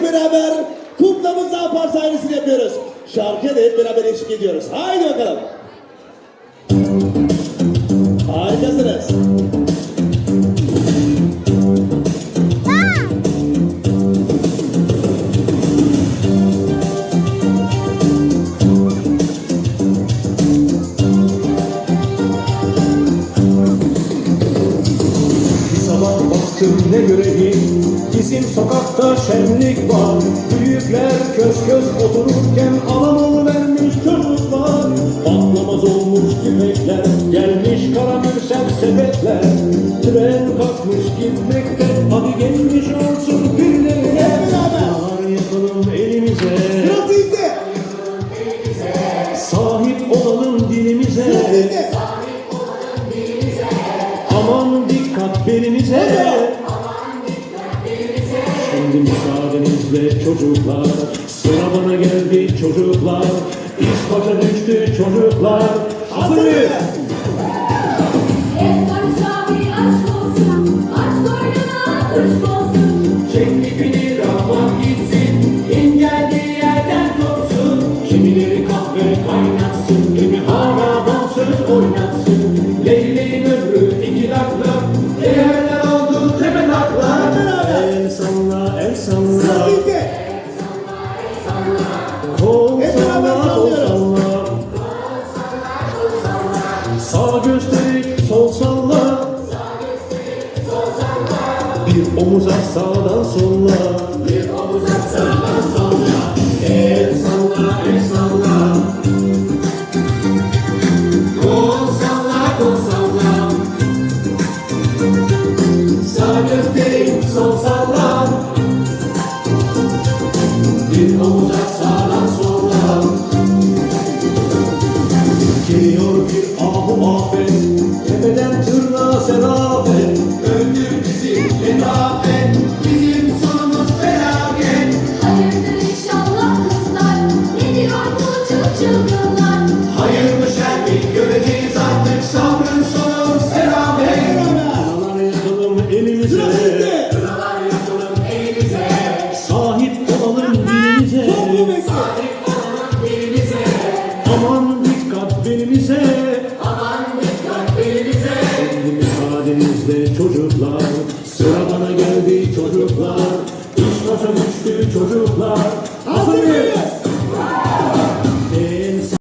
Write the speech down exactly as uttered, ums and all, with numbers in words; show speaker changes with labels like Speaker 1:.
Speaker 1: hep beraber kuklamızla apar sahnesini yapıyoruz. Şarkıya da hep beraber eşlik ediyoruz. Haydi bakalım. Harikasınız.
Speaker 2: Ne göreyim, bizim sokakta şenlik var. Büyükler köz köz otururken alamol vermiş çocuklar. Patlamaz olmuş küpekler, gelmiş karamürsel sepetler. Tren kalkmış gitmekte, hadi gelmiş olsun birilerine. Bahar yapalım elimize, sahip olalım dilimize. Aman dikkat belinize. Şimdi müsaadenizle çocuklar, sıra bana geldi çocuklar. İş başa düştü çocuklar. Hazır mıyız?
Speaker 3: Et barışa bir aşk olsun, aç koynuna kuş olsun.
Speaker 2: Çek ipini rahman gitsin, in geldiği yerden kopsun. Kimileri kahve kaynatsın, kimi hala dansöz oynatsın. Leyleğin ömrü iki dakika, değerler oldu tepe takla. El salla, el salla. Kol salla, kol salla. Sağ gösterip sol salla. Bir omuz at sağdan solla. Bir omuz at sağdan solla. El salla, el salla. Kol salla, kol salla. Sağ gösterip sol salla. Bir omuz at sağdan solla. Geliyor bir ahu afet, tepeden tırnağa serafet. Öldür bizi letafet, bizim sonumuz felaket.
Speaker 3: Hayırdır inşallah kızlar, ne diyor bu çılçılgınlar?
Speaker 2: Hayır mı şer mi göreceğiz artık, sabrın sonu selamet. Kınalar yakalım elimize, kınalar yakalım elimize. Sahip olalım dilimize, sahip olalım dilimize. Aman dikkat belimize, aman dikkat belimize. Şimdi müsaadenizle çocuklar,